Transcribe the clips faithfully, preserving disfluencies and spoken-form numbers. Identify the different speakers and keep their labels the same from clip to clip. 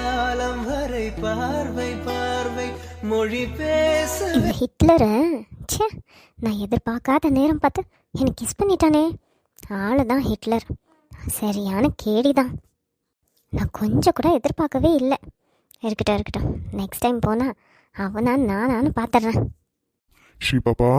Speaker 1: காலம் வரை பார்வை பார்வை மொழி பேச.
Speaker 2: இந்த ஹிட்லரை ச்சே, நான் எதிர்பார்க்காத நேரம் பார்த்து எனக்கு கிஸ் பண்ணிட்டானே. ஆளு தான் ஹிட்லர், சரியான கேடி தான். நான் கொஞ்சம் கூட எதிர்பார்க்கவே இல்லை. இருக்கட்டும் இருக்கட்டும், நெக்ஸ்ட் டைம் போனால் அவனா நானான்னு பார்த்துட்றேன்.
Speaker 3: ஸ்ரீ பாப்பா,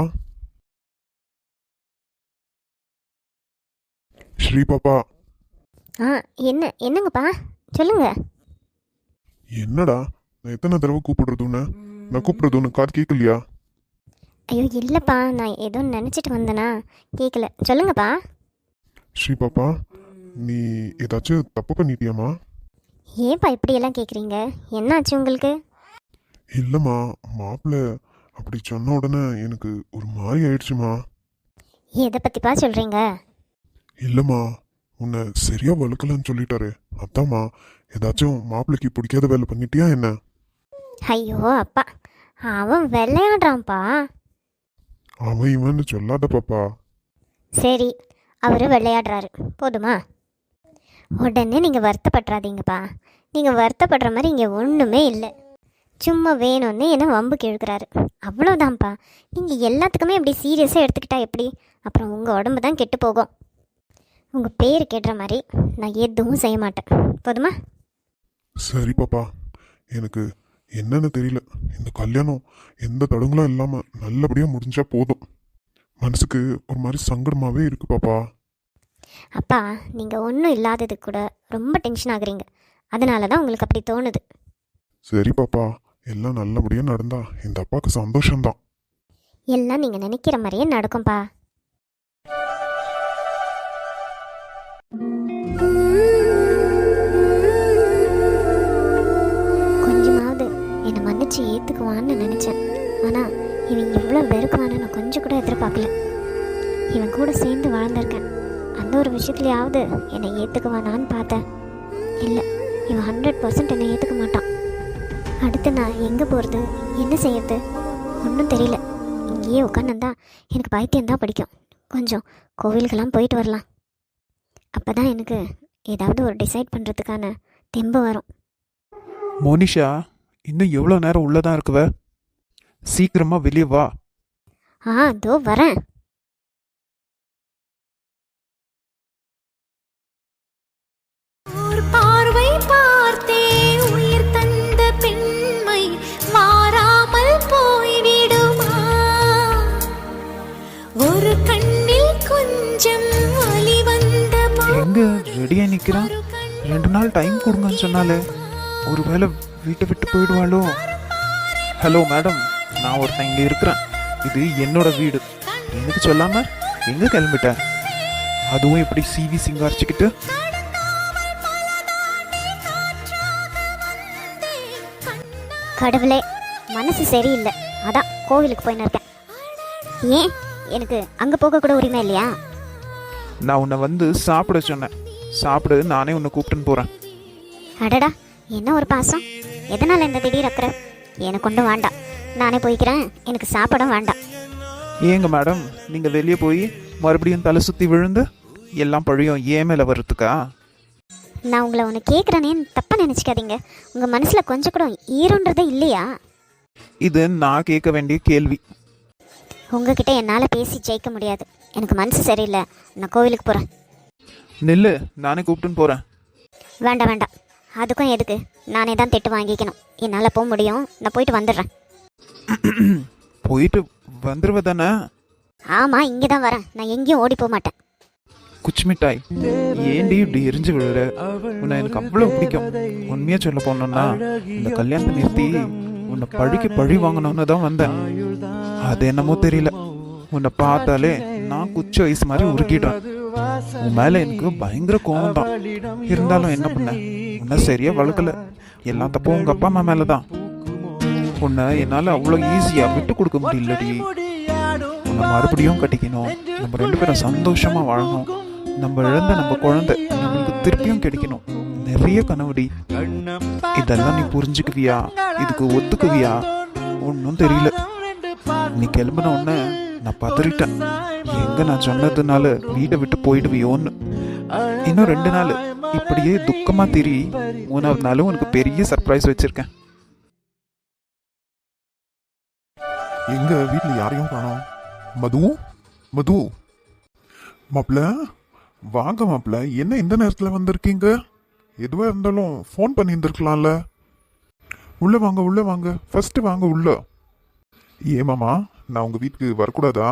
Speaker 3: ஸ்ரீ பாப்பா.
Speaker 2: ஆ என்ன என்னங்கப்பா சொல்லுங்க.
Speaker 3: என்னடா நான் எத்தனை தடவை கூப்பிடுறதுன்னு? நான் கூப்பிடுறது உனக்கு காது கேட்கலையா?
Speaker 2: ஐயோ இல்லைப்பா, நான் ஏதோ நினச்சிட்டு வந்தேனா, கேட்கல. சொல்லுங்கப்பா.
Speaker 3: ஸ்ரீ பாப்பா, நீ ஏதாச்சும் தப்பு பண்ணிட்டியாமா?
Speaker 2: ஏன்ப்பா இப்படியெல்லாம் கேட்குறீங்க? என்னாச்சு உங்களுக்கு?
Speaker 3: இல்லைம்மா, மாப்பிள்ளை அப்படி சொன்ன உடனே எனக்கு ஒரு மாதிரி ஆயிடுச்சுமா.
Speaker 2: எதை பற்றிப்பா சொல்கிறீங்க?
Speaker 3: இல்லைம்மா, உன்னை சரியா வளர்க்கலன்னு சொல்லிட்டாரு. அதாம்மா, ஏதாச்சும் மாப்பிள்ளைக்கு பிடிக்காத வேலை பண்ணிட்டியா என்ன?
Speaker 2: ஐயோ அப்பா, அவன் விளையாடுறான்ப்பா.
Speaker 3: அவன் இவன்னு சொல்லாத பாப்பா.
Speaker 2: சரி, அவர் விளையாடுறாரு போதுமா? உடனே நீங்கள் வருத்தப்படுறாதீங்கப்பா. நீங்கள் வருத்தப்படுற மாதிரி இங்கே ஒன்றுமே இல்லை. சும்மா வேணும்னு என்ன வம்புக்கு இழுக்கிறாரு, அவ்வளோதான்ப்பா. நீங்கள் எல்லாத்துக்குமே இப்படி சீரியஸாக எடுத்துக்கிட்டா எப்படி? அப்புறம் உங்கள் உடம்பு தான் கெட்டு போகும். உங்கள் பேர் கேட்டுற மாதிரி நான் எதுவும் செய்ய மாட்டேன், போதுமா?
Speaker 3: சரி பாப்பா, எனக்கு என்னன்னு தெரியல. இந்த கல்யாணம் எந்த தடங்களும் இல்லாமல் நல்லபடியாக முடிஞ்சா போதும். மனசுக்கு ஒரு மாதிரி சங்கடமாகவே இருக்கு பாப்பா.
Speaker 2: அப்பா, நீங்கள் ஒன்றும் இல்லாதது கூட ரொம்ப டென்ஷன் ஆகுறீங்க. அதனால தான் உங்களுக்கு அப்படி தோணுது.
Speaker 3: சரி பாப்பா, எல்லாம் நல்லபடியாக நடந்தா இந்த அப்பாவுக்கு சந்தோஷம்தான்.
Speaker 2: எல்லாம் நீங்கள் நினைக்கிற மாதிரியே நடக்கும்பா. கொஞ்சமாவது என்னை மன்னிச்சு ஏற்றுக்குவான்னு நினச்சேன். ஆனால் இவன் இவ்வளோ வெறுக்குவான்னு நான் கொஞ்சம் கூட எதிர்பார்க்கல. இவன் கூட சேர்ந்து வாழ்ந்திருக்கேன், அந்த ஒரு விஷயத்துலையாவது என்னை ஏற்றுக்குவானான்னு பார்த்தேன். இல்லை, இவன் ஹண்ட்ரட் பர்சன்ட் என்னை ஏற்றுக்க மாட்டான். அடுத்து நான் எங்கே போகிறது, என்ன செய்யறது ஒன்றும் தெரியல. இங்கேயே உட்காந்துருந்தா எனக்கு பைத்தியம்தான் பிடிக்கும். கொஞ்சம் கோவிலுக்கெல்லாம் போயிட்டு வரலாம். அப்போ தான் எனக்கு ஏதாவது ஒரு டிசைட் பண்ணுறதுக்கான தெம்பு வரும்.
Speaker 4: மோனிஷா, இன்னும் எவ்வளோ நேரம் உள்ளதான் இருக்குவ? சீக்கிரமாக வெளியே வா.
Speaker 2: ஆ இதோ வரேன்.
Speaker 5: பார்வை பார்த்தே உயிர் தந்த பெண்மை மாறாமல் போய்விடுமா? ஒரு கண்ணில் கொஞ்சம் வலி வந்த
Speaker 4: எங்க ரெடியா நிக்கிறான்? ரெண்டு நாள் டைம் கொடுங்கன்னு சொன்னாலே, ஒருவேளை வீட்டை விட்டு போயிடுவாளோ? ஹலோ மேடம், நான் ஒருத்தன் இங்கே இருக்கிறேன். இது என்னோட வீடு. எனக்கு சொல்லாம எங்க கிளம்பிட்டேன்? அதுவும் இப்படி சிவி சிங்காரிச்சுக்கிட்டு.
Speaker 2: கடவுளே, மனசு சரியில்லை, அதான் கோவிலுக்கு போயின்னு இருக்கேன். ஏன் எனக்கு அங்கே போக கூட உரிமை இல்லையா?
Speaker 4: நான் உன்னை வந்து சாப்பிட சொன்னேன். சாப்பிடு, நானே உன்னை கூப்பிட்டுன்னு போறேன்.
Speaker 2: அடடா, என்ன ஒரு பாசம்! எதனால் இந்த திடீர் அக்கறை? எனக்கு ஒன்றும் வேண்டாம், நானே போய்க்கிறேன். எனக்கு சாப்பிடும் வேண்டாம்.
Speaker 4: ஏங்க மேடம், நீங்கள் வெளியே போய் மறுபடியும் தலை சுற்றி விழுந்து எல்லாம் பழியும் ஏன் மேலே வர்றதுக்கா?
Speaker 2: நான் உங்களை ஒன்று கேட்குறேனேன்னு தப்பாக நினச்சிக்காதீங்க. உங்கள் மனசில் கொஞ்சம் கூட ஈரோன்றதே இல்லையா?
Speaker 4: இது நான் கேட்க வேண்டிய கேள்வி.
Speaker 2: உங்ககிட்ட என்னால் பேசி ஜெயிக்க முடியாது. எனக்கு மனசு சரியில்லை, நான் கோவிலுக்கு போகிறேன்.
Speaker 4: நெல்லு, நானே கூப்பிட்டுன்னு போகிறேன்.
Speaker 2: வேண்டாம் வேண்டாம், அதுக்கும் எதுக்கு? நானே தான் திட்டு வாங்கிக்கணும். என்னால் போக முடியும், நான் போயிட்டு வந்துடுறேன்.
Speaker 4: போயிட்டு வந்துடுவ தானே?
Speaker 2: ஆமாம், இங்கே தான் வரேன். நான் எங்கேயும் ஓடி போக மாட்டேன்.
Speaker 4: குச்சி மிட்டாய், ஏண்டி இப்படி எரிஞ்சு விழுற? உன்னை எனக்கு அவ்வளோ பிடிக்கும். உண்மையாக சொல்ல போனோம்னா, இந்த கல்யாணத்தை நிறுத்தி உன்னை பழிக்கு பழி வாங்கணும்னு தான் வந்தேன். அது என்னமோ தெரியல, உன்னை பார்த்தாலே நான் குச்சி வயசு மாதிரி உருக்கிடுறேன். உன் மேலே எனக்கு பயங்கர கோவம் தான். இருந்தாலும் என்ன பண்ண, உன்னை சரியா வளர்க்கல. எல்லா தப்பும் உங்கள் அப்பா அம்மா மேலே தான். உன்னை என்னால் அவ்வளோ ஈஸியாக விட்டு கொடுக்க முடியலடி. உன்னை மறுபடியும் கட்டிக்கணும், நம்ம ரெண்டு பேரும் சந்தோஷமாக வாழணும். நம்ம இழந்த நம்ம குழந்தை நம்மளுக்கு திருப்பியும் கிடைக்கணும். நிறைய கனவுடி. இதெல்லாம் நீ புரிஞ்சுக்குவியா? இதுக்கு ஒத்துக்குவியா? ஒன்றும் தெரியல. நீ கிளம்பின உடனே நான் பதறிட்டேன். எங்க நான் சொன்னதுனால வீட்டை விட்டு போயிடுவியோன்னு. இன்னும் ரெண்டு நாள் இப்படியே துக்கமா திரி. மூணாவது நாளும் உனக்கு பெரிய சர்ப்ரைஸ் வச்சிருக்கேன்.
Speaker 3: எங்க வீட்டுல யாரையும் காணோம். மது, மது, மாப்பிள்ள வாங்க மாப்பிள்ள. என்ன இந்த நேரத்துல வந்திருக்கீங்க? எதுவா இருந்தாலும் ஃபோன் பண்ணி இருந்திருக்கலாம்ல. உள்ள வாங்க, உள்ள வாங்க, ஃபர்ஸ்ட் வாங்க உள்ள. ஏமாமா, நான் உங்க வீட்டுக்கு வரக்கூடாதா?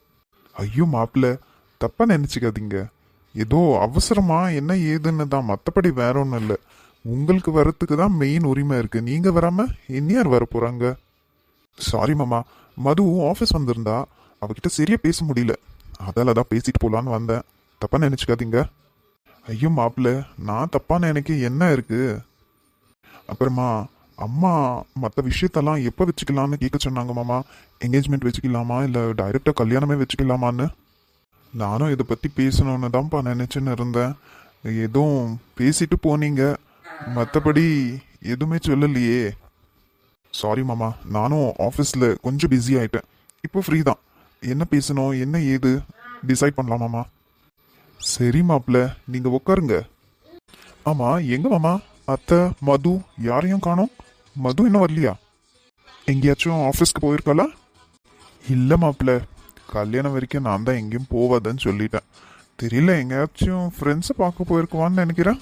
Speaker 3: ஐயோ மாப்பிள்ள, தப்பா நினைச்சுக்காதீங்க. ஏதோ அவசரமா என்ன ஏதுன்னு தான், மற்றபடி வேற ஒன்றும் இல்லை. உங்களுக்கு வரத்துக்கு தான் மெயின் உரிமை இருக்கு. நீங்க வராம இனியார் வர போறாங்க? சாரி மாமா, மது ஆஃபீஸ் வந்திருந்தா, அவகிட்ட சரியா பேச முடியல. அதால தான் பேசிட்டு போலான்னு வந்தேன். தப்பா நினைச்சுக்காதீங்க. ஐயோ மாப்பிள்ள, நான் தப்பா நினைக்க என்ன இருக்கு? அப்புறமா அம்மா மற்ற விஷயத்தெல்லாம் எப்போ வச்சுக்கலான்னு கேட்க சொன்னாங்க மாமா. என்கேஜ்மெண்ட் வச்சுக்கலாமா இல்லை டைரெக்டாக கல்யாணமே வச்சுக்கலாமான்னு. நானும் இதை பற்றி பேசணுன்னு தான்ப்பா நினச்சின்னு இருந்தேன். எதுவும் பேசிட்டு போனீங்க, மற்றபடி எதுவுமே சொல்லலையே. சாரி மாமா, நானும் ஆஃபீஸில் கொஞ்சம் பிஸி ஆகிட்டேன். இப்போ ஃப்ரீ தான். என்ன பேசணும், என்ன ஏது டிசைட் பண்ணலாமாம்மா? சரி மாப்பிள்ள, நீங்கள் உட்காருங்க. ஆமாம், எங்க மாமா அத்தை மது யாரையும் காணோம்? மது இன்னும் வரலையா? எங்கேயாச்சும் ஆஃபீஸ்க்கு போயிருக்காளா? இல்லை மாப்பிள்ள, கல்யாணம் வரைக்கும் நான் தான் எங்கேயும் போவாதுன்னு சொல்லிட்டேன். தெரியல, எங்கேயாச்சும் ஃப்ரெண்ட்ஸை பார்க்க போயிருக்குவான்னு நினைக்கிறேன்.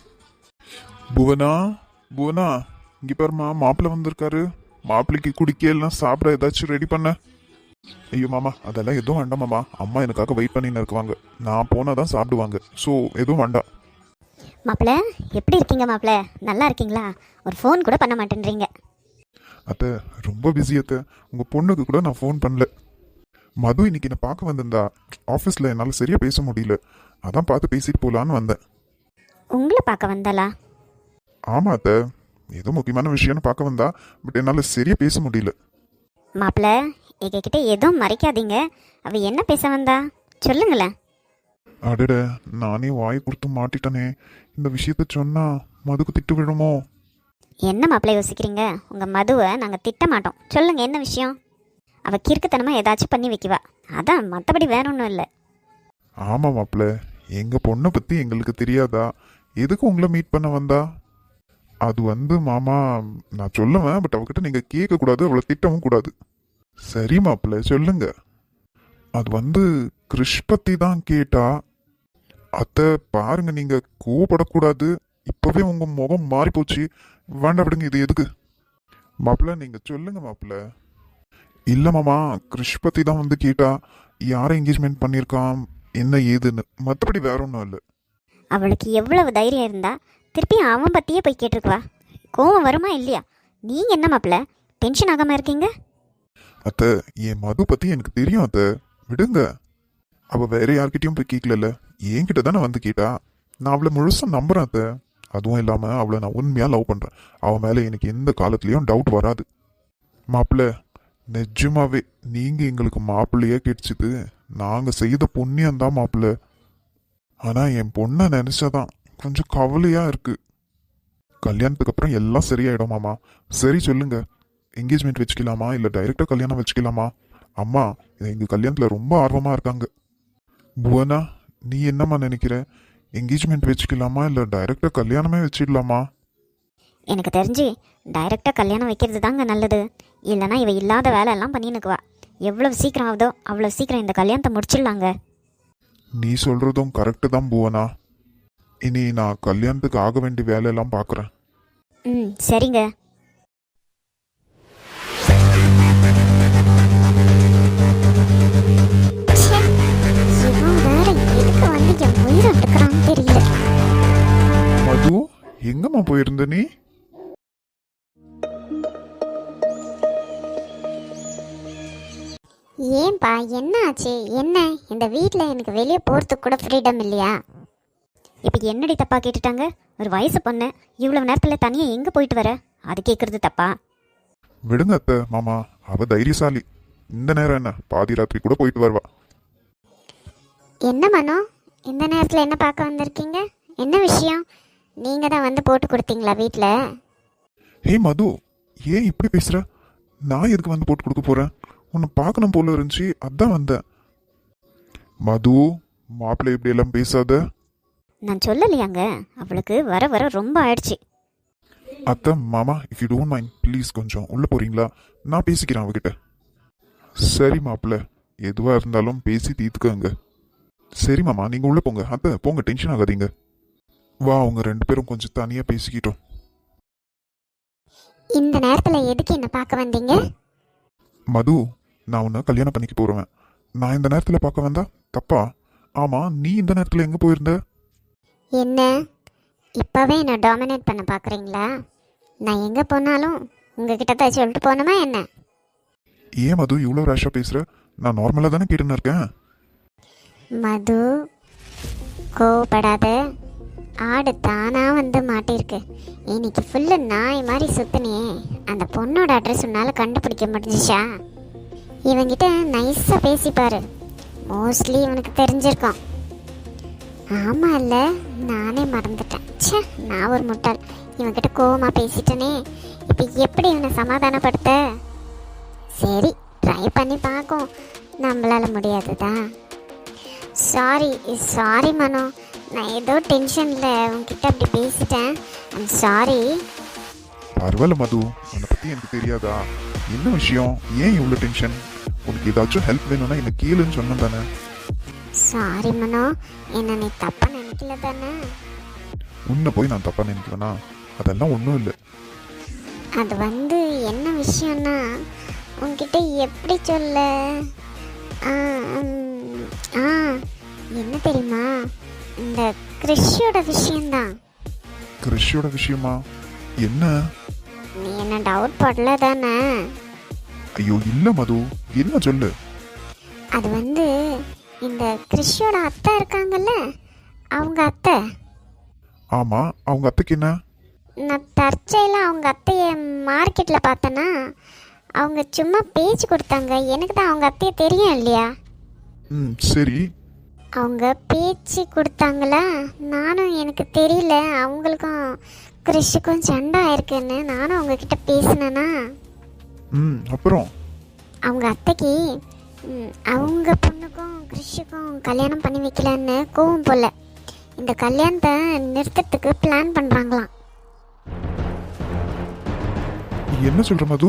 Speaker 3: புவனா, புவனா, இங்கே பாருமா, மாப்பிள்ளை வந்திருக்காரு. மாப்பிள்ளைக்கு குடிக்க எல்லாம் சாப்பிட ஏதாச்சும் ரெடி பண்ண. ஐயோ மாமா, அதெல்லாம் எதுவும் வேண்டாம் மாமா. அம்மா எனக்காக வெயிட் பண்ணின்னு இருக்குவாங்க. நான் போனால் தான் சாப்பிடுவாங்க. ஸோ எதுவும் வேண்டாம்.
Speaker 2: மாப்பிள்ள எப்படி இருக்கீங்க மாப்பிள்ள? நல்லா இருக்கீங்களா? ஒரு ஃபோன் கூட பண்ண மாட்டேன்றீங்க.
Speaker 3: அத்தை ரொம்ப பிஸி அத்தை. உங்கள் பொண்ணுக்கு கூட நான் ஃபோன் பண்ணல. மது இன்னைக்கு என்னை பார்க்க வந்திருந்தா. ஆஃபீஸில் என்னால் சரியாக பேச முடியல. அதான் பார்த்து பேசிட்டு போகலான்னு வந்தேன்.
Speaker 2: உங்களை பார்க்க வந்தாளா?
Speaker 3: ஆமாம் அத்தை, ஏதோ முக்கியமான விஷயம்னு பார்க்க வந்தா. பட் என்னால் சரியாக பேச முடியல.
Speaker 2: மாப்பிள்ள, எங்ககிட்ட எதுவும் மறைக்காதீங்க. அவ என்ன பேச வந்தா சொல்லுங்களேன்.
Speaker 3: அடட, நானே வாய் கொடுத்து மாட்டிட்டனே. இந்த விஷயத்த சொன்னா மதுக்கு திட்டு விழுமோ?
Speaker 2: என்ன மாப்பிள்ளை யோசிக்கிறீங்க? உங்க மதுவை நாங்க திட்ட மாட்டோம். சொல்லுங்க, என்ன விஷயம்? அவ கிறுக்குத்தனமா ஏதாச்சும் பண்ணி வைக்குவா. அதான், மற்றபடி வேற ஒன்றும் இல்லை.
Speaker 3: ஆமா மாப்பிள்ள, எங்க பொண்ணை பத்தி எங்களுக்கு தெரியாதா? எதுக்கு உங்களை மீட் பண்ண வந்தா? அது வந்து மாமா, நான் சொல்லுவேன். பட் அவகிட்ட நீங்க கேட்க கூடாது, அவளை திட்டவும் கூடாது. சரி மாப்பிள்ள, சொல்லுங்க. அது வந்து கிருஷ் பத்தி தான் கேட்டா. அத்தை பாருங்க, நீங்க கோவப்படக்கூடாது. இப்பவே உங்க முகம் மாறி போச்சு. வேண்டாம் விடுங்க, இது எதுக்கு? மாப்பிள்ள நீங்க சொல்லுங்க மாப்பிள்ள. இல்ல மாமா, கிருஷ் பத்தி தான் வந்து கேட்டா. யாரை என்கேஜ்மெண்ட் பண்ணியிருக்கான், என்ன ஏதுன்னு. மற்றபடி வேற ஒன்றும் இல்லை.
Speaker 2: அவளுக்கு எவ்வளவு தைரியம் இருந்தா திருப்பி அவன் பத்தியே போய் கேட்டிருக்குவா? கோவம் வருமா இல்லையா? நீங்க என்ன மாப்பிள்ள டென்ஷன் ஆகாம இருக்கீங்க?
Speaker 3: அத்தை, என் மது பத்தி எனக்கு தெரியும் அத்தை, விடுங்க. அவ வேற யார்கிட்டயும் போய் கேட்கல, என்கிட்ட தானே வந்து கேட்டா. நான் அவளை முழுசா நம்புறேன் அத்தை. அதுவும் இல்லாம அவளை நான் உண்மையா லவ் பண்றேன். அவ மேல எனக்கு எந்த காலத்துலயும் டவுட் வராது. மாப்பிள்ள, நிஜமாவே நீங்க எங்களுக்கு மாப்பிள்ளையே கிடைச்சது நாங்க செய்த புண்ணியம் தான் மாப்பிள்ள. ஆனா என் பொண்ணை நினைச்சாதான் கொஞ்சம் கவலையா இருக்கு. கல்யாணத்துக்கு அப்புறம் எல்லாம் சரியாயிடும் மாமா. சரி சொல்லுங்க, என்கேஜ்மெண்ட் வச்சுக்கலாமா இல்லை டைரெக்டாக கல்யாணம் வச்சுக்கலாமா? அம்மா எங்கள் கல்யாணத்தில் ரொம்ப ஆர்வமாக இருக்காங்க. புவனா, நீ என்னம்மா நினைக்கிற? என்கேஜ்மெண்ட் வச்சுக்கலாமா இல்லை டைரெக்டாக கல்யாணமே வச்சிடலாமா?
Speaker 2: எனக்கு தெரிஞ்சு டைரெக்டாக கல்யாணம் வைக்கிறது தாங்க நல்லது. இல்லைனா இவ இல்லாத வேலையெல்லாம் பண்ணினுக்குவா. எவ்வளவு சீக்கிரம் ஆகுதோ அவ்வளோ சீக்கிரம் இந்த கல்யாணத்தை முடிச்சிடலாங்க.
Speaker 3: நீ சொல்கிறதும் கரெக்டு தான் புவனா. இனி நான் கல்யாணத்துக்கு ஆக வேண்டிய வேலையெல்லாம் பார்க்குறேன்.
Speaker 2: ம் சரிங்க.
Speaker 3: மது, எங்கம்மா போயிருந்த நீ?
Speaker 2: ஏன்பா, என்ன ஆச்சு? என்ன இந்த வீட்டில் எனக்கு வெளியே போகிறதுக்கு கூட ஃப்ரீடம் இல்லையா? இப்போ என்னடி தப்பா கேட்டுட்டாங்க? ஒரு வயசு பொண்ணு இவ்வளவு நேரத்தில் தனியாக எங்கே போயிட்டு வர? அது கேட்குறது தப்பா?
Speaker 3: விடுங்க அத்தை, மாமா அவ தைரியசாலி. இந்த நேரம் என்ன, பாதி ராத்திரி கூட போயிட்டு வருவா.
Speaker 2: என்ன மனோ, இந்த நேரத்தில் என்ன பார்க்க வந்திருக்கீங்க? என்ன விஷயம்? நீங்கள் தான் வந்து போட்டு கொடுத்தீங்களா வீட்டில்?
Speaker 3: ஹே மது, ஏன் இப்படி பேசுற? நான் எதுக்கு வந்து போட்டு கொடுக்க போறேன்? உன்னை பார்க்கணும் போல இருந்துச்சு, அதான் வந்தேன். மது, மாப்பிள்ளை இப்படி எல்லாம் பேசாத.
Speaker 2: நான் சொல்லலையாங்க, அவளுக்கு வர வர ரொம்ப ஆயிடுச்சு.
Speaker 3: அத்தை மாமா, if you don't mind please கொஞ்சம் உள்ள போறீங்களா? நான் பேசிக்கிறேன் அவகிட்ட. சரி மாப்பிள்ள, எதுவா இருந்தாலும் பேசி தீர்த்துக்கங்க. சரி மாமா, நீங்க உள்ள போங்க. அத்தை போங்க, டென்ஷன் ஆகாதீங்க. வா, அவங்க ரெண்டு பேரும் கொஞ்சம் தனியா பேசிக்கிட்டோம்.
Speaker 2: இந்த நேரத்தில் எதுக்கு என்ன பார்க்க வந்தீங்க?
Speaker 3: மது, நான் உன்னை கல்யாணம் பண்ணிக்க போறேன். நான் இந்த நேரத்துல பார்க்க வந்தா தப்பா? ஆமா, நீ இந்த நேரத்துல எங்க போயிருந்த?
Speaker 2: என்ன இப்போவே என்னை டாமினேட் பண்ண பார்க்குறீங்களா? நான் எங்கே போனாலும் உங்ககிட்ட தான் சொல்லிட்டு போகணுமா என்ன?
Speaker 3: ஏன் மது இவ்வளோ ரேஷா பேசுற? நான் நார்மலா தானே கேட்டுன்னு இருக்கேன்.
Speaker 2: மது, கோவப்படாத. ஆடு தானா வந்து மாட்டிருக்கு. இன்னைக்கு ஃபுல்லு நாய் மாதிரி சுத்தினியே, அந்த பொண்ணோட அட்ரஸ் உன்னால் கண்டுபிடிக்க முடிஞ்சிச்சா? இவங்கிட்ட நைஸாக பேசிப்பாரு, மோஸ்ட்லி இவனுக்கு தெரிஞ்சிருக்கோம். ஆமாம் இல்லை, நானே மறந்துட்டேன். ச்சே, நான் ஒரு முட்டாள். இவன்கிட்ட கோவமாக பேசிட்டனே, இப்போ எப்படி இவனை சமாதானப்படுத்த? சரி, ட்ரை பண்ணி பார்க்கும். நம்மளால முடியாதுதான். சாரி சாரி மனோ, நான் ஏதோ டென்ஷனில் உங்ககிட்ட அப்படி பேசிட்டேன். I'm sorry.
Speaker 3: பரவாயில்ல மது, உன்னை பத்தி எனக்கு தெரியாதா? என்ன விஷயம்? ஏன் இவ்வளோ டென்ஷன்? உனக்கு ஏதாச்சும் ஹெல்ப் வேணும்னா என்ன கேளுன்னு சொன்ன தானே?
Speaker 2: சாரி மனோ, என்ன நீ தப்பா நினைக்கல தானே?
Speaker 3: உன்னை போய் நான் தப்பா நினைக்கிறேனா? அதெல்லாம் ஒன்றும் இல்லை.
Speaker 2: அது வந்து என்ன விஷயம்னா, உங்ககிட்ட எப்படி சொல்ல, ஆ ம், ஆ என்ன தெரியுமா, இந்த கிறிஷோட விஷயம்தான்.
Speaker 3: கிறிஷோட விஷயமா? என்ன?
Speaker 2: நீ என்ன டவுட் படல தானே?
Speaker 3: ஐயோ இல்ல மது, என்ன சொல்லு.
Speaker 2: அது வந்து இந்த கிறிஷோட அத்தை இருக்காங்கல்ல, அவங்க அத்தை.
Speaker 3: ஆமா, அவங்க அத்தைக்கு என்ன?
Speaker 2: நான் தற்செயலாக அவங்க அத்தையை மார்க்கெட்டில் பார்த்தேன்னா, அவங்க சும்மா பேச்சு கொடுத்தாங்க. எனக்கு தான் அவங்க அத்தையை தெரியும் இல்லையா?
Speaker 3: ம் சரி.
Speaker 2: அவங்க பேச்சு கொடுத்தாங்களா, நானும் எனக்கு தெரியல, அவங்களுக்கும் கிறிஷுக்கும் சண்டை ஆயிருக்குன்னு நானும் அவங்கக்கிட்ட பேசினேன்னா,
Speaker 3: ம் அப்புறம்?
Speaker 2: அவங்க அத்தைக்கு ம், அவங்க பொண்ணுக்கும் கிறிஷுக்கும் கல்யாணம் பண்ணி வைக்கலன்னு கோவம் போல இந்த கல்யாணத்தை நிறுத்தத்துக்கு பிளான் பண்ணுறாங்களாம்.
Speaker 3: என்ன சொல்ற மது?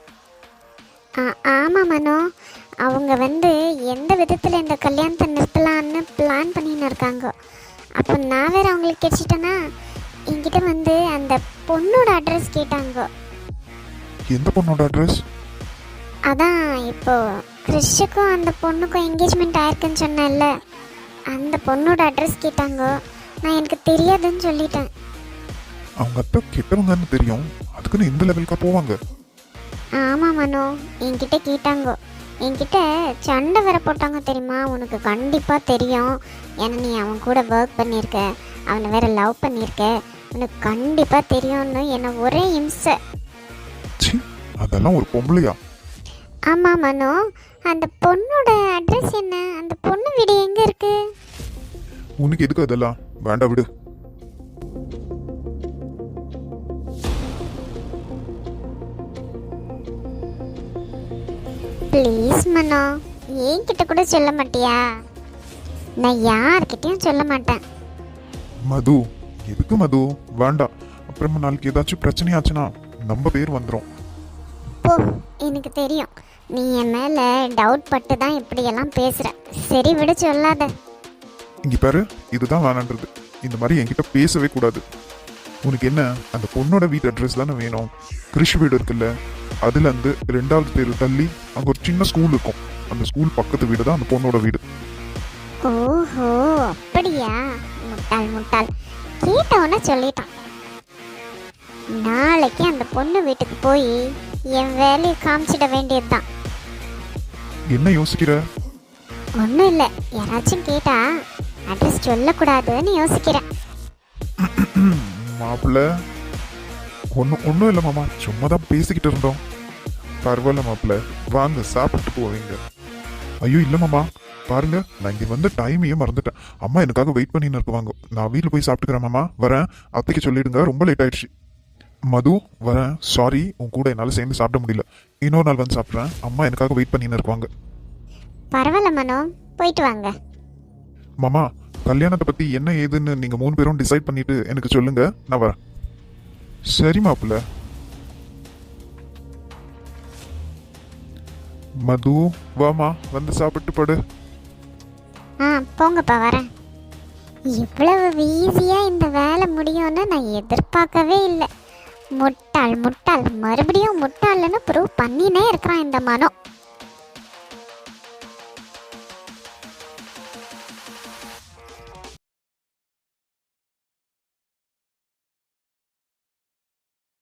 Speaker 2: ஆமாம் மனோ, அவங்க வந்து எந்த விதத்தில் இந்த கல்யாணத்தை நிறுத்தலான்னு பிளான் பண்ணின்னு இருக்காங்க. அப்போ நான் வேறு அவங்களுக்கு கிடைச்சிட்டேன்னா, என்கிட்ட வந்து அந்த பொண்ணோட அட்ரஸ் கேட்டாங்க.
Speaker 3: எந்த பொண்ணோட அட்ரஸ்?
Speaker 2: அதான் இப்போ கிறிஷுக்கும் அந்த பொண்ணுக்கும் என்கேஜ்மெண்ட் ஆயிருக்குன்னு சொன்னேன்ல, அந்த பொண்ணோட அட்ரஸ் கேட்டாங்க. நான் எனக்கு தெரியாதுன்னு சொல்லிட்டேன்.
Speaker 3: அவங்க அத்தை கெட்டவங்கன்னு தெரியும், அதுக்குன்னு இந்த லெவலுக்கா போவாங்க?
Speaker 2: ஆமாம் மனோ, என்கிட்ட கேட்டாங்க. என்கிட்ட சண்டை வேற போட்டாங்க தெரியுமா? உனக்கு கண்டிப்பாக தெரியும், ஏன்னா நீ அவன் கூட ஒர்க் பண்ணியிருக்க, அவனை வேற லவ் பண்ணியிருக்க, உனக்கு கண்டிப்பாக தெரியும்னு என்னை ஒரே இம்சை.
Speaker 3: சி, அதெல்லாம் ஒரு பொம்பளையா?
Speaker 2: ஆமாம் மனோ, அந்த பொண்ணோட அட்ரஸ் என்ன? அந்த பொண்ணு வீடு எங்கே இருக்கு?
Speaker 3: உனக்கு எதுக்கு அதெல்லாம்? வேண்டாம் விடு.
Speaker 2: ப்ளீஸ் மனோ, என்கிட்ட கூட சொல்ல மாட்டியா? நான் யார்கிட்டயும் சொல்ல மாட்டேன்.
Speaker 3: மது, எதுக்கு மது? வேண்டாம். அப்புறமா நாளைக்கு ஏதாச்சும் பிரச்சனையாச்சுன்னா நம்ம பேர் வந்துடும்.
Speaker 2: போ, எனக்கு தெரியும் நீ என் மேலே டவுட் பட்டு தான் இப்படியெல்லாம் பேசுகிற. சரி விட, சொல்லாத.
Speaker 3: இங்க பாரு, இதுதான் வேணான்றது. இந்த மாதிரி என்கிட்ட பேசவே கூடாது. உனக்கு என்ன, அந்த பொண்ணோட வீட்டு அட்ரஸ் தானே வேணும்? கிறிஷ் வீடு இருக்குல்ல, அதுல இருந்து ரெண்டாவது தெரு தள்ளி அங்க ஒரு சின்ன ஸ்கூல் இருக்கும். அந்த ஸ்கூல் பக்கத்து வீடு தான் அந்த பொண்ணோட வீடு.
Speaker 2: ஓஹோ, அப்படியா? முட்டாள் முட்டாள், கேட்டவன சொல்லிட்டான். நாளைக்கு அந்த பொண்ணு வீட்டுக்கு போய் என் வேலையை காமிச்சிட வேண்டியதுதான்.
Speaker 3: என்ன யோசிக்கிற?
Speaker 2: ஒன்றும் இல்லை, யாராச்சும் கேட்டா அட்ரஸ் சொல்லக்கூடாதுன்னு யோசிக்கிறேன்.
Speaker 3: மாப்பிள்ள, ஒன்றும் ஒன்றும் இல்லை மாமா, சும்மா தான் பேசிக்கிட்டு இருந்தோம். பரவாயில்ல மாப்பிள்ள, வாங்க சாப்பிட்டு போவீங்க. ஐயோ இல்லை மாமா, பாருங்க, நான் இங்கே வந்து டைமையே மறந்துட்டேன். அம்மா எனக்காக வெயிட் பண்ணின்னு இருக்குவாங்க. நான் வீட்டில் போய் சாப்பிட்டுக்கிறேன் மாமா, வரேன். அத்தைக்கு சொல்லிடுங்க, ரொம்ப லேட் ஆயிடுச்சு. மது, வரேன். சாரி, உன் கூட என்னால் சேர்ந்து சாப்பிட முடியல. இன்னொரு நாள் வந்து சாப்பிட்றேன். அம்மா எனக்காக வெயிட் பண்ணின்னு இருக்குவாங்க.
Speaker 2: பரவாயில்ல மனோ, போயிட்டு வாங்க.
Speaker 3: மாமா, கல்யாணத்தை பத்தி என்ன ஏதுன்னு நீங்க மூணு பேரும் டிசைட் பண்ணிட்டு எனக்கு சொல்லுங்க, நான் வரேன். சரி மாப்பிள்ள. மது, வாமா, வந்து சாப்பிட்டு படு.
Speaker 2: ஆ போங்கப்பா, வரேன். இவ்வளவு ஈஸியாக இந்த வேலை முடியும்னு நான் எதிர்பார்க்கவே இல்லை. முட்டாள் முட்டாள், மறுபடியும் முட்டாள்னு ப்ரூவ் பண்ணினே இருக்கிறான் இந்த மனோ.